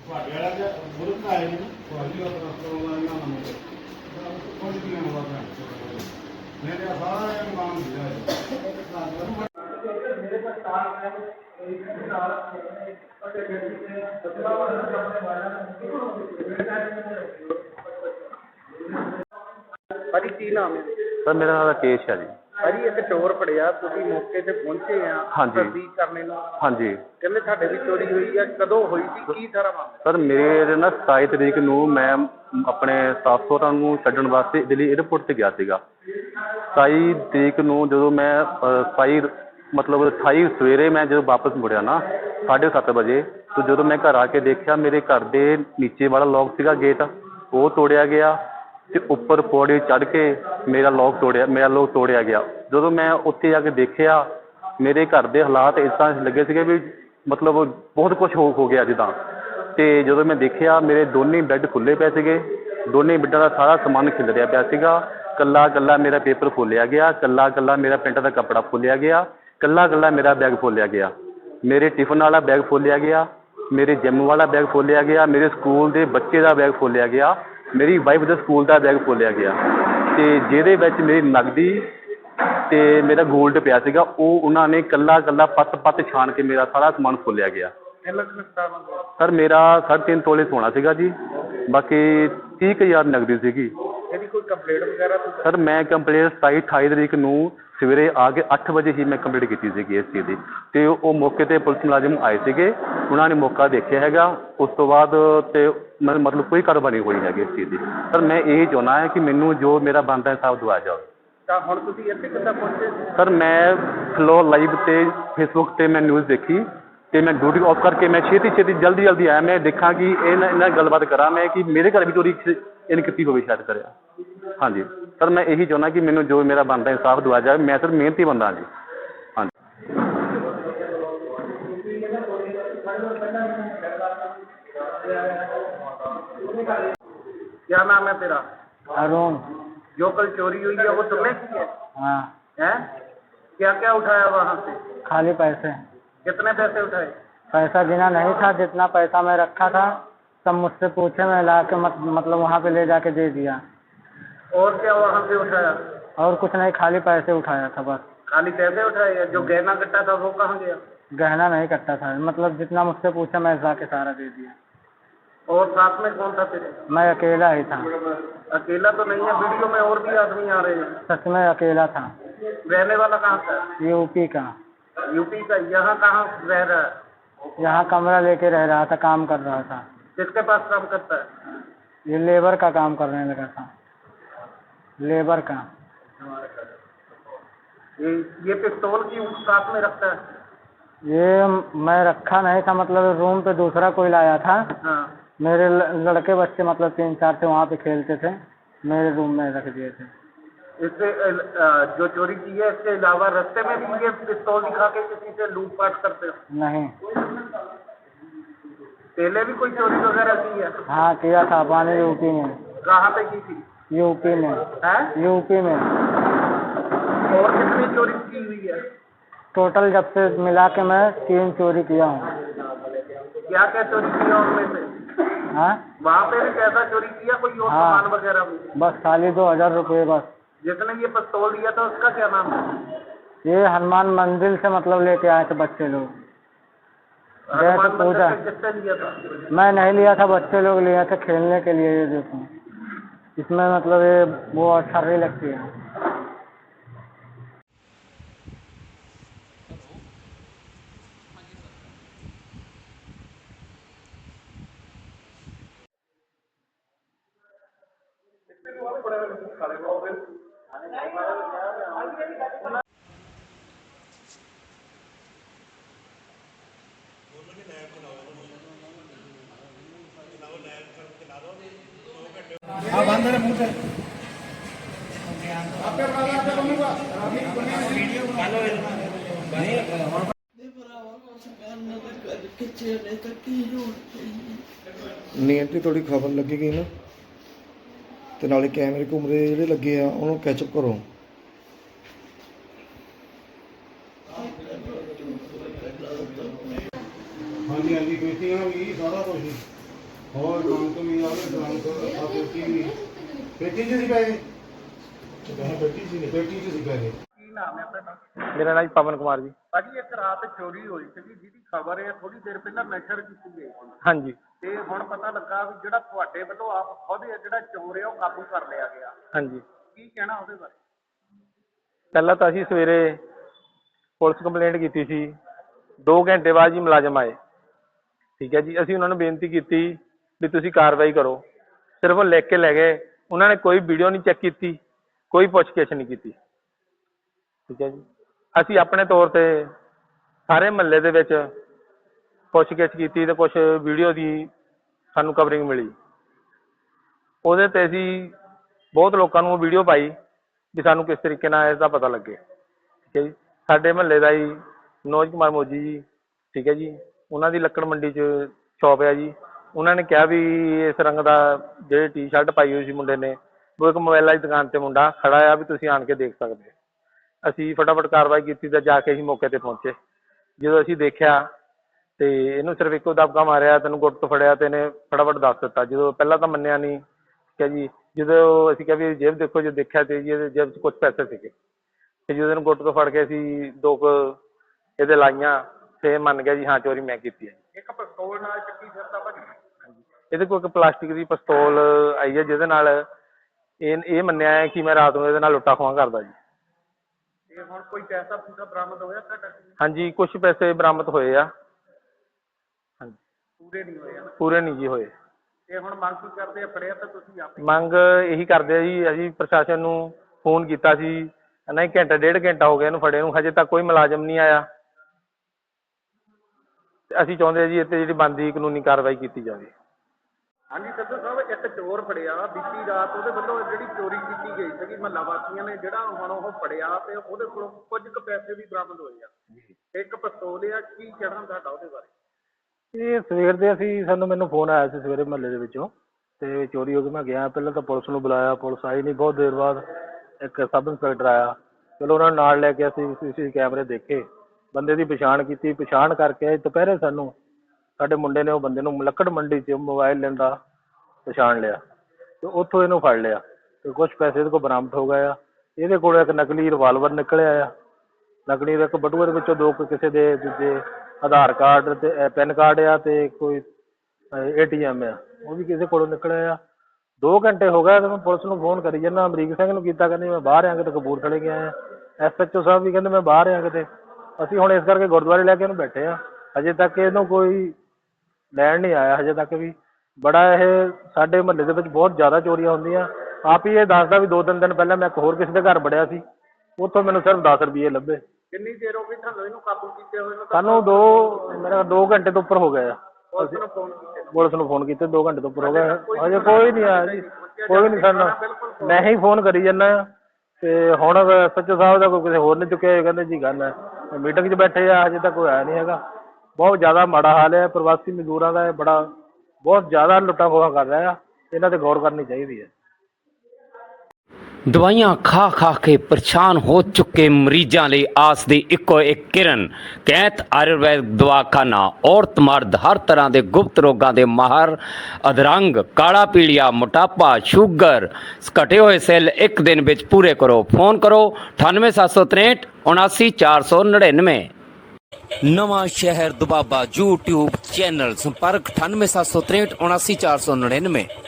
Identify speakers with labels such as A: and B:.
A: ਤੁਹਾਡੇ ਵਾਲਾ ਤੇ ਬੁਰਕ ਆਏ ਨੇ ਤੁਹਾਡੀ ਉਹ ਰਸਤੋਂ ਦਾ ਇਹਨਾਂ ਨੂੰ ਕੁਝ ਵੀ ਨਹੀਂ ਹੋਣਾ ਮੇਰੇ ਸਾਰਾ ਇਹ ਕੰਮ ਦਿਆ ਮੇਰੇ ਪਾਸ ਕਾਰ ਹੈ एक साल और भाजी की नाम है
B: सर मेरा नाम राकेश है जी।
A: भाजी एक चोर फड़िया तुसीं मौके ते पहुंचे हैं
B: हाँ जी
A: तस्दीक करने ਨੂੰ
B: हाँ जी
A: ਕਹਿੰਦੇ ਸਾਡੇ ਵੀ ਚੋਰੀ ਹੋਈ ਹੈ ਕਦੋਂ ਹੋਈ ਸੀ ਕੀ ਸਾਰਾ ਮਾਮਲਾ
B: ਸਰ ਮੇਰੇ ਨਾ 27 ਤਰੀਕ ਨੂੰ ਮੈਂ ਆਪਣੇ ਸੱਸ ਸਹੁਰਾ ਨੂੰ ਛੱਡਣ ਵਾਸਤੇ ਦਿੱਲੀ 에ਅਰਪੋਰਟ ਤੇ ਗਿਆ ਸੀਗਾ। 27 ਤਰੀਕ ਨੂੰ ਜਦੋਂ ਮੈਂ 27 ਮਤਲਬ 28 ਸਵੇਰੇ ਮੈਂ ਜਦੋਂ ਵਾਪਸ ਮੁੜਿਆ ਨਾ 7:30 ਵਜੇ ਤੇ ਜਦੋਂ ਮੈਂ ਘਰ ਆ ਕੇ ਦੇਖਿਆ ਮੇਰੇ ਘਰ ਦੇ ਨੀਚੇ ਵਾਲਾ ਲੋਕ ਸੀਗਾ ਗੇਟ ਉਹ ਤੋੜਿਆ ਗਿਆ ਤੇ ਉੱਪਰ ਪੌੜੀ ਚੜ੍ਹ ਕੇ ਮੇਰਾ ਲੋਕ ਤੋੜਿਆ ਗਿਆ। ਜਦੋਂ ਮੈਂ ਉੱਥੇ ਜਾ ਕੇ ਦੇਖਿਆ ਮੇਰੇ ਘਰ ਦੇ ਹਾਲਾਤ ਇਸ ਤਰ੍ਹਾਂ ਲੱਗੇ ਸੀਗੇ ਵੀ ਮਤਲਬ ਬਹੁਤ ਕੁਝ ਹੋ ਗਿਆ ਜਿੱਦਾਂ। ਤੇ ਜਦੋਂ ਮੈਂ ਦੇਖਿਆ ਮੇਰੇ ਦੋਨੇ ਬੈੱਡ ਖੁੱਲ੍ਹੇ ਪਏ ਸੀਗੇ, ਦੋਨੇ ਬੈੱਡਾਂ ਦਾ ਸਾਰਾ ਸਮਾਨ ਖਿਲਰਿਆ ਪਿਆ ਸੀਗਾ। ਕੱਲਾ ਮੇਰਾ ਪੇਪਰ ਖੋਲ੍ਹਿਆ ਗਿਆ, ਕੱਲਾ ਮੇਰਾ ਪੈਂਟ ਦਾ ਕੱਪੜਾ ਖੋਲ੍ਹਿਆ ਗਿਆ, ਕੱਲਾ ਮੇਰਾ ਬੈਗ ਖੋਲ੍ਹਿਆ ਗਿਆ, ਮੇਰੇ ਟਿਫਨ ਵਾਲਾ ਬੈਗ ਖੋਲ੍ਹਿਆ ਗਿਆ, ਮੇਰੇ ਜਿੰਮ ਵਾਲਾ ਬੈਗ ਖੋਲ੍ਹਿਆ ਗਿਆ, ਮੇਰੇ ਸਕੂਲ ਦੇ ਬੱਚੇ ਦਾ ਬੈਗ ਖੋਲ੍ਹਿਆ ਗਿਆ, ਮੇਰੀ ਵਾਈਫ ਦੇ ਸਕੂਲ ਦਾ ਬੈਗ ਖੋਲ੍ਹਿਆ ਗਿਆ। ਅਤੇ ਜਿਹਦੇ ਵਿੱਚ ਮੇਰੀ ਨਕਦੀ ਅਤੇ ਮੇਰਾ ਗੋਲਡ ਪਿਆ ਸੀਗਾ ਉਹ ਉਹਨਾਂ ਨੇ ਕੱਲਾ ਪੱਤ ਛਾਣ ਕੇ ਮੇਰਾ ਸਾਰਾ ਸਮਾਨ ਖੋਲ੍ਹਿਆ ਗਿਆ। ਸਰ ਮੇਰਾ 3.5 ਤੋਲੇ ਸੋਨਾ ਸੀਗਾ ਜੀ, ਬਾਕੀ 30,000 ਨਕਦੀ ਸੀਗੀ।
A: ਇਹਦੀ ਕੋਈ ਕੰਪਲੇਂਟ ਵਗੈਰਾ
B: ਸਰ ਮੈਂ ਕੰਪਲੇਂਟ 27-28 ਤਰੀਕ ਨੂੰ ਸਵੇਰੇ ਆ ਕੇ 8 ਵਜੇ ਹੀ ਮੈਂ ਕੰਪਲੇਂਟ ਕੀਤੀ ਸੀਗੀ ਇਸ ਚੀਜ਼ ਦੀ। ਅਤੇ ਉਹ ਮੌਕੇ 'ਤੇ ਪੁਲਿਸ ਮੁਲਾਜ਼ਮ ਆਏ ਸੀਗੇ, ਉਹਨਾਂ ਨੇ ਮੌਕਾ ਦੇਖਿਆ ਹੈਗਾ। ਉਸ ਤੋਂ ਬਾਅਦ ਅਤੇ ਮਤਲਬ ਕੋਈ ਕਾਰਵਾਈ ਨਹੀਂ ਹੋਈ ਹੈਗੀ ਇਸ ਚੀਜ਼ ਦੀ। ਸਰ ਮੈਂ ਇਹ ਚਾਹੁੰਦਾ ਹਾਂ ਕਿ ਮੈਨੂੰ ਜੋ ਮੇਰਾ ਬਣਦਾ ਹਿਸਾਬ ਦਿਵਾਇਆ ਜਾਵੇ।
A: ਤਾਂ ਹੁਣ ਤੁਸੀਂ ਇੱਥੇ ਕਿੱਦਾਂ ਪਹੁੰਚੇ?
B: ਸਰ ਮੈਂ ਫਲੋਰ ਲਾਈਵ 'ਤੇ ਫੇਸਬੁੱਕ 'ਤੇ ਮੈਂ ਨਿਊਜ਼ ਦੇਖੀ ਅਤੇ ਮੈਂ ਡਿਊਟੀ ਆਫ ਕਰਕੇ ਮੈਂ ਛੇਤੀ ਜਲਦੀ ਆਇਆ। ਮੈਂ ਦੇਖਾਂ ਕਿ ਇਹਨਾਂ ਨਾਲ ਗੱਲਬਾਤ ਕਰਾਂ ਮੈਂ ਕਿ ਮੇਰੇ ਘਰ ਵੀ ਚੋਰੀ ਇਹਨੇ ਕੀਤੀ ਹੋਵੇ ਸ਼ਾਇਦ ਕਰਿਆ। ਹਾਂਜੀ ਸਰ ਮੈਂ ਇਹੀ ਚਾਹੁੰਦਾ ਕਿ ਮੈਨੂੰ ਜੋ ਮੇਰਾ ਬਣਦਾ ਇਨਸਾਫ ਦਿਵਾਇਆ ਜਾਵੇ। ਮੈਂ ਸਰ ਮਿਹਨਤੀ ਬੰਦਾ ਜੀ। ਹਾਂਜੀ
A: क्या नाम है तेरा?
C: अरुण।
A: जो कल चोरी हुई है वो तुमने की है?
C: हाँ।
A: हैं? क्या क्या उठाया वहाँ से?
C: खाली पैसे।
A: कितने पैसे उठाए?
C: पैसा गिना नहीं था, जितना पैसा मैं रखा था सब मुझसे पूछे, मैं ला के मतलब वहाँ पे ले जाके दे दिया।
A: और क्या वहाँ से उठाया?
C: और कुछ नहीं, खाली पैसे उठाया था बस।
A: खाली पैसे उठाए? जो गहना कट्टा था वो कहाँ गया?
C: गहना नहीं कट्टा था, मतलब जितना मुझसे पूछा मैं ला के सारा दे दिया।
A: और साथ में कौन था तेरे?
C: मैं अकेला ही था।
A: अकेला तो नहीं है, वीडियो में और भी आदमी आ रहे हैं।
C: सच में अकेला था।
A: रहने वाला कहाँ का?
C: यूपी का।
A: यूपी का? यहाँ कहाँ रह रहा है?
C: यहाँ कमरा लेके रह रहा था, काम कर रहा था।
A: किसके पास काम करता है?
C: ये लेबर का काम करने लगा था, लेबर का।
A: ये पिस्तौल की साथ में रखता है?
C: ये मैं रखा नहीं था, मतलब रूम पे दूसरा कोई लाया था।
A: हाँ।
C: मेरे लड़के बच्चे मतलब 3-4 थे, वहाँ पे खेलते थे, मेरे रूम में रख दिए थे।
A: इससे जो चोरी की है इसके अलावा रास्ते में भी ये पिस्तौल दिखा के किसी से लूटपाट करते हो?
C: नहीं।
A: पहले भी कोई चोरी वगैरह की है?
C: हाँ किया था, पानी यूपी में।
A: कहाँ पे की थी?
C: यूपी में।
A: है?
C: यूपी में।
A: और कितनी चोरी की हुई है?
C: टोटल जब से मिला के मैं 3 चोरी किया हूँ।
A: क्या क्या चोरी किया उनमें से?
C: हाँ
A: वहाँ पे भी पैसा चोरी किया कोई और
C: हाँ।
A: सामान वगैरह भी?
C: बस खाली 2000 रुपये बस।
A: जिसने ये पिस्तौल दिया था उसका क्या नाम है?
C: ये हनुमान मंदिर से मतलब लेके आए थे बच्चे लोग, गए थे पूजा।
A: किससे लिया था?
C: मैं नहीं लिया था, बच्चे लोग लिए थे खेलने के लिए। ये देखो इसमें मतलब ये वो अच्छा नहीं लगती है।
A: हाँ बंद है मुंह से।
D: ਨਹੀਂ ਆਂਟੀ ਤੁਹਾਡੀ ਖਬਰ ਲੱਗੇਗੀ ਨਾ ਤੇ ਨਾਲੇ ਕੈਮਰੇ ਘੁੰਮਦੇ ਜਿਹੜੇ ਲੱਗੇ ਆ ਉਹਨੂੰ ਕੈਚਅਪ ਕਰੋ।
A: ਹਾਂਜੀ ਹਾਂਜੀ ਬੇਟੀਆਂ ਵੀ ਸਾਰਾ ਕੁਝ ਹੋਰ ਕਣਕ ਵੀ ਆਵੇ ਕਣਕ ਆ ਪੇਟੀ ਵੀ ਪੇਟੀ 'ਚ ਸੀ ਪੈਸੇ ਪੇਟੀ 'ਚ ਸੀ ਪੈਸੇ।
E: ਕੀ ਨਾਮ ਹੈ ਤੁਹਾਡਾ?
C: मेरा नाम पवन कुमार जी।
E: ਭਾਜੀ ਇੱਕ ਰਾਤ ਚੋਰੀ ਹੋਈ ਸੀਗੀ ਜਿਹਦੀ ਖਬਰ ਹੈ ਥੋੜੀ ਦੇਰ ਪਹਿਲਾਂ ਨਸ਼ਰ ਕੀਤੀ ਗਈ ਸੀ
C: हाँ जी।
E: ਤੇ ਹੁਣ ਪਤਾ ਲੱਗਾ ਵੀ ਜਿਹੜਾ ਤੁਹਾਡੇ ਵੱਲੋਂ ਆਪ ਖੁਦ ਇਹ ਜਿਹੜਾ ਚੋਰ ਹੈ ਉਹ ਕਾਬੂ ਕਰ ਲਿਆ ਗਿਆ।
C: हाँ जी।
E: ਕੀ ਕਹਿਣਾ ਉਹਦੇ ਬਾਰੇ?
C: ਪਹਿਲਾਂ ਤਾਂ ਅਸੀਂ ਸਵੇਰੇ ਪੁਲਿਸ ਕੰਪਲੇਂਟ ਕੀਤੀ ਸੀ। 2 ਘੰਟੇ ਬਾਅਦ ਜੀ ਮੁਲਾਜ਼ਮ ਆਏ। ਠੀਕ ਹੈ ਜੀ, ਅਸੀਂ ਉਹਨਾਂ ਨੂੰ ਬੇਨਤੀ ਕੀਤੀ ਵੀ ਤੁਸੀਂ ਕਾਰਵਾਈ ਕਰੋ। ਸਿਰਫ ਉਹ ਲਿਖ ਕੇ ਲੈ ਗਏ। ਉਹਨਾਂ ਨੇ ਕੋਈ ਵੀਡੀਓ ਨਹੀਂ ਚੈੱਕ ਕੀਤੀ, ਕੋਈ ਪੁੱਛਗਿੱਛ ਨਹੀਂ ਕੀਤੀ। ਠੀਕ ਹੈ ਜੀ, ਅਸੀਂ ਆਪਣੇ ਤੌਰ ਤੇ ਸਾਰੇ ਮਹੱਲੇ ਦੇ ਵਿੱਚ ਪੁੱਛਗਿੱਛ ਕੀਤੀ ਤੇ ਕੁਛ ਵੀਡੀਓ ਦੀ ਸਾਨੂੰ ਕਵਰਿੰਗ ਮਿਲੀ। ਉਹਦੇ ਤੇ ਅਸੀਂ ਬਹੁਤ ਲੋਕਾਂ ਨੂੰ ਉਹ ਵੀਡੀਓ ਪਾਈ ਵੀ ਸਾਨੂੰ ਕਿਸ ਤਰੀਕੇ ਨਾਲ ਇਸ ਦਾ ਪਤਾ ਲੱਗੇ। ਠੀਕ ਹੈ ਜੀ, ਸਾਡੇ ਮਹੱਲੇ ਦਾ ਹੀ ਮਨੋਜ ਕੁਮਾਰ ਮੋਜੀ ਜੀ, ਠੀਕ ਹੈ ਜੀ, ਉਹਨਾਂ ਦੀ ਲੱਕੜ ਮੰਡੀ 'ਚ ਸ਼ੌਪ ਹੈ ਜੀ। ਉਹਨਾਂ ਨੇ ਕਿਹਾ ਵੀ ਇਸ ਰੰਗ ਦਾ ਜਿਹੜੀ ਟੀ-ਸ਼ਰਟ ਪਾਈ ਹੋਈ ਸੀ ਮੁੰਡੇ ਨੇ, ਉਹ ਇੱਕ ਮੋਬਾਈਲਾਂ ਦੀ ਦੁਕਾਨ ਤੇ ਮੁੰਡਾ ਖੜਾ ਆ ਵੀ ਤੁਸੀਂ ਆਣ ਕੇ ਦੇਖ ਸਕਦੇ ਹੋ। ਅਸੀਂ ਫਟਾਫਟ ਕਾਰਵਾਈ ਕੀਤੀ ਤੇ ਜਾ ਕੇ ਅਸੀਂ ਮੌਕੇ ਤੇ ਪਹੁੰਚੇ। ਜਦੋਂ ਅਸੀਂ ਦੇਖਿਆ ਤੇ ਇਹਨੂੰ ਸਿਰਫ ਇੱਕੋ ਦਬਕਾ ਮਾਰਿਆ, ਤੈਨੂੰ ਗੁੱਟ ਤੋਂ ਫੜਿਆ ਤੇ ਇਹਨੇ ਫਟਾਫਟ ਦੱਸ ਦਿੱਤਾ। ਜਦੋਂ ਪਹਿਲਾਂ ਤਾਂ ਮੰਨਿਆ ਨਹੀਂ। ਠੀਕ ਹੈ ਜੀ, ਜਦੋਂ ਅਸੀਂ ਕਿਹਾ ਵੀ ਜੇਬ ਦੇਖੋ, ਜੋ ਦੇਖਿਆ ਤੇ ਜੀ ਇਹਦੇ ਜੇਬ 'ਚ ਕੁਛ ਪੈਸੇ ਸੀਗੇ। ਤੇ ਜਦੋਂ ਇਹਨੂੰ ਗੁੱਟ ਤੋਂ ਫੜ ਕੇ ਅਸੀਂ 2 ਕੁ ਇਹਦੇ ਲਾਈਆਂ ਤੇ ਇਹ ਮੰਨ ਗਿਆ ਜੀ ਹਾਂ ਚੋਰੀ ਮੈਂ ਕੀਤੀ ਹੈ।
E: ਇੱਕ ਪਿਸਤੌਲ ਨਾਲ ਚੱਕੀ ਫਿਰਦਾ ਭਾਜੀ।
C: ਇਹਦੇ ਕੋਲ ਇੱਕ ਪਲਾਸਟਿਕ ਦੀ ਪਿਸਤੌਲ ਆਈ ਹੈ ਜਿਹਦੇ ਨਾਲ ਇਹ ਮੰਨਿਆ ਹੈ ਕਿ ਮੈਂ ਰਾਤ ਨੂੰ ਇਹਦੇ ਨਾਲ ਲੁੱਟਾ ਖੋਹਾਂ ਕਰਦਾ ਜੀ।
E: ਤੇ ਹੁਣ ਕੋਈ ਪੈਸਾ ਪੂਸਾ ਬਰਾਮਦ ਹੋਇਆ ਤੁਹਾਡਾ?
C: ਹਾਂਜੀ, ਕੁਝ ਪੈਸੇ ਬਰਾਮਦ ਹੋਏ ਆ। ਹਾਂਜੀ,
E: ਪੂਰੇ ਨਹੀਂ ਹੋਏ ਨਾ?
C: ਪੂਰੇ ਨਹੀਂ ਜੀ ਹੋਏ।
E: ਤੇ ਹੁਣ ਮੰਗ ਕੀ ਕਰਦੇ ਆ? ਫੜਿਆ ਤਾਂ ਤੁਸੀਂ ਆਪੇ?
C: ਮੰਗ ਇਹੀ ਕਰਦੇ ਆ ਜੀ, ਅਸੀਂ ਪ੍ਰਸ਼ਾਸਨ ਨੂੰ ਫੋਨ ਕੀਤਾ ਸੀ, ਨਹੀਂ ਘੰਟਾ 1.5 ਘੰਟਾ ਹੋ ਗਿਆ ਇਹਨੂੰ ਫੜੇ ਨੂੰ, ਹਜੇ ਤੱਕ ਕੋਈ ਮੁਲਾਜ਼ਮ ਨਹੀਂ ਆਇਆ। ਤੇ ਅਸੀਂ ਚਾਹੁੰਦੇ ਹਾਂ ਜੀ ਇੱਥੇ ਜਿਹੜੀ ਬਣਦੀ ਕਾਨੂੰਨੀ ਕਾਰਵਾਈ ਕੀਤੀ ਜਾਵੇ।
E: ਹਾਂਜੀ ਸੱਜੂ ਸਾਹਿਬ, ਇੱਕ ਚੋਰ ਫੜਿਆ ਬੀਤੀ ਰਾਤ, ਉਹਦੇ ਵੱਲੋਂ ਜਿਹੜੀ ਚੋਰੀ ਕੀਤੀ ਗਈ ਸੀਗੀ ਮਹੱਲਾ ਵਾਸੀਆਂ ਨੇ, ਜਿਹੜਾ ਹੁਣ ਉਹ ਫੜਿਆ ਤੇ ਉਹਦੇ ਕੋਲੋਂ ਕੁਝ ਕੁ ਪੈਸੇ ਵੀ ਬਰਾਮਦ ਹੋਏ ਆ, ਇੱਕ ਪਿਸਤੌਲ ਆ। ਕੀ ਕਹਿਣਾ ਤੁਹਾਡਾ ਉਹਦੇ ਬਾਰੇ?
C: ਇਹ ਸਵੇਰ ਦੇ ਮੈਨੂੰ ਫੋਨ ਆਇਆ ਸੀ ਸਵੇਰੇ ਮਹੱਲੇ ਦੇ ਵਿੱਚੋਂ, ਤੇ ਚੋਰੀ ਹੋ ਗਈ। ਮੈਂ ਗਿਆ, ਪਹਿਲਾਂ ਤਾਂ ਪੁਲਿਸ ਨੂੰ ਬੁਲਾਇਆ, ਪੁਲਿਸ ਆਈ ਨਹੀਂ। ਬਹੁਤ ਦੇਰ ਬਾਅਦ ਇੱਕ ਸਬ ਇੰਸਪੈਕਟਰ ਆਇਆ। ਚਲੋ ਉਹਨਾਂ ਨੂੰ ਨਾਲ ਲੈ ਕੇ ਅਸੀਂ CCTV ਕੈਮਰੇ ਦੇਖੇ, ਬੰਦੇ ਦੀ ਪਛਾਣ ਕੀਤੀ। ਪਛਾਣ ਕਰਕੇ ਦੁਪਹਿਰੇ ਸਾਡੇ ਮੁੰਡੇ ਨੇ ਉਹ ਬੰਦੇ ਨੂੰ ਲੱਕੜ ਮੰਡੀ 'ਚ ਮੋਬਾਈਲ ਲੈਂਦਾ ਪਛਾਣ ਲਿਆ ਤੇ ਉੱਥੋਂ ਇਹਨੂੰ ਫੜ ਲਿਆ ਤੇ ਕੁਛ ਪੈਸੇ ਇਹਦੇ ਕੋਲ ਬਰਾਮਦ ਹੋ ਗਏ ਆ। ਇਹਦੇ ਕੋਲ ਇੱਕ ਨਕਲੀ ਰਿਵਾਲਵਰ ਨਿਕਲਿਆ ਆ। ਨਕਲੀ ਦੇ ਇੱਕ ਬਟੂਏ ਦੇ ਵਿੱਚੋਂ 2 ਕਿਸੇ ਦੇ ਦੂਜੇ ਆਧਾਰ ਕਾਰਡ ਤੇ ਪੈਨ ਕਾਰਡ ਆ ਤੇ ਕੋਈ ATM ਆ, ਉਹ ਵੀ ਕਿਸੇ ਕੋਲੋਂ ਨਿਕਲਿਆ ਆ। 2 ਘੰਟੇ ਹੋ ਗਏ ਤੇ ਮੈਂ ਪੁਲਿਸ ਨੂੰ ਫੋਨ ਕਰੀ ਜਾਂਦਾ। ਅਮਰੀਕ ਸਿੰਘ ਨੂੰ ਕੀਤਾ, ਕਹਿੰਦੇ ਮੈਂ ਬਾਹਰ ਆ, ਕਿਤੇ ਕਪੂਰਥਲੇ ਗਿਆ ਆ। SHO ਸਾਹਿਬ ਵੀ ਕਹਿੰਦੇ ਮੈਂ ਬਾਹਰ ਆ ਕਿਤੇ। ਅਸੀਂ ਹੁਣ ਇਸ ਕਰਕੇ ਗੁਰਦੁਆਰੇ ਲੈ ਕੇ ਇਹਨੂੰ ਬੈਠੇ ਆ। ਹਜੇ ਤੱਕ ਇਹਨੂੰ ਕੋਈ ਲੈਣ ਨਹੀਂ ਆਇਆ ਹਜੇ ਤੱਕ ਵੀ। ਬੜਾ ਇਹ ਸਾਡੇ ਮਹੱਲੇ ਦੇ ਵਿੱਚ ਬਹੁਤ ਜ਼ਿਆਦਾ ਚੋਰੀਆਂ ਹੁੰਦੀਆਂ। ਆਪ ਹੀ ਇਹ ਦੱਸਦਾ ਵੀ 2-3 ਦਿਨ ਪਹਿਲਾਂ ਮੈਂ ਇੱਕ ਹੋਰ ਕਿਸੇ ਦੇ ਘਰ ਵੜਿਆ ਸੀ, ਉੱਥੋਂ ਮੈਨੂੰ ਸਿਰਫ 10 ਰੁਪਏ ਲੱਭੇ।
E: ਕਿੰਨੀ ਦੇਰ ਹੋ ਗਈ ਤੁਹਾਨੂੰ ਇਹਨੂੰ ਕਾਬੂ ਕੀਤੇ ਹੋਏ ਨੂੰ?
C: ਸਾਨੂੰ 2 ਘੰਟੇ ਤੋਂ ਉੱਪਰ ਹੋ ਗਏ ਆ।
E: ਪੁਲਿਸ ਨੂੰ ਫੋਨ ਕੀਤੇ?
C: ਪੁਲਿਸ ਨੂੰ ਫੋਨ ਕੀਤੇ 2 ਘੰਟੇ ਤੋਂ ਉੱਪਰ ਹੋ ਗਏ, ਹਜੇ ਕੋਈ ਨਹੀਂ ਆਇਆ ਜੀ। ਕੋਈ ਨਹੀਂ ਸਾਨੂੰ, ਮੈਂ ਹੀ ਫੋਨ ਕਰੀ ਜਾਂਦਾ ਤੇ ਹੁਣ SHO ਸਾਹਿਬ ਦਾ ਕੋਈ ਕਿਸੇ ਹੋਰ ਨੇ ਚੁੱਕਿਆ। ਕਹਿੰਦੇ ਜੀ ਗੱਲ ਹੈ ਮੀਟਿੰਗ 'ਚ ਬੈਠੇ ਆ, ਹਜੇ ਤੱਕ ਕੋਈ ਆਇਆ ਨਹੀਂ ਹੈਗਾ। ਬਹੁਤ ਜ਼ਿਆਦਾ ਮਾੜਾ ਹਾਲ ਹੈ ਪ੍ਰਵਾਸੀ ਮਜ਼ਦੂਰਾਂ ਦਾ। ਇਹ ਬਹੁਤ ਜ਼ਿਆਦਾ ਲੁੱਟਾਂ ਖੋਹਾਂ ਕਰ ਰਿਹਾ ਆ। ਇਹਨਾਂ ਤੇ ਗੌਰ ਕਰਨੀ ਚਾਹੀਦੀ ਹੈ।
F: ਦਵਾਈਆਂ ਖਾ ਖਾ ਕੇ ਪਰੇਸ਼ਾਨ ਹੋ ਚੁੱਕੇ ਮਰੀਜ਼ਾਂ ਲਈ ਆਸ ਦੀ ਇੱਕੋ ਇੱਕ ਕਿਰਨ ਕੈਂਤ ਆਯੁਰਵੈਦ ਦਵਾਖਾਨਾ। ਔਰਤ ਮਰਦ ਹਰ ਤਰ੍ਹਾਂ ਦੇ ਗੁਪਤ ਰੋਗਾਂ ਦੇ ਮਾਹਰ। ਅਧਰੰਗ, ਕਾਲਾ ਪੀਲੀਆ, ਮੋਟਾਪਾ, ਸ਼ੂਗਰ, ਘਟੇ ਹੋਏ ਸੈੱਲ ਇੱਕ ਦਿਨ ਵਿੱਚ ਪੂਰੇ ਕਰੋ। ਫੋਨ ਕਰੋ 98763 79499। ਨਵਾਂ ਸ਼ਹਿਰ ਦੁਬਾਬਾ YouTube ਚੈਨਲ। ਸੰਪਰਕ 98763 79499।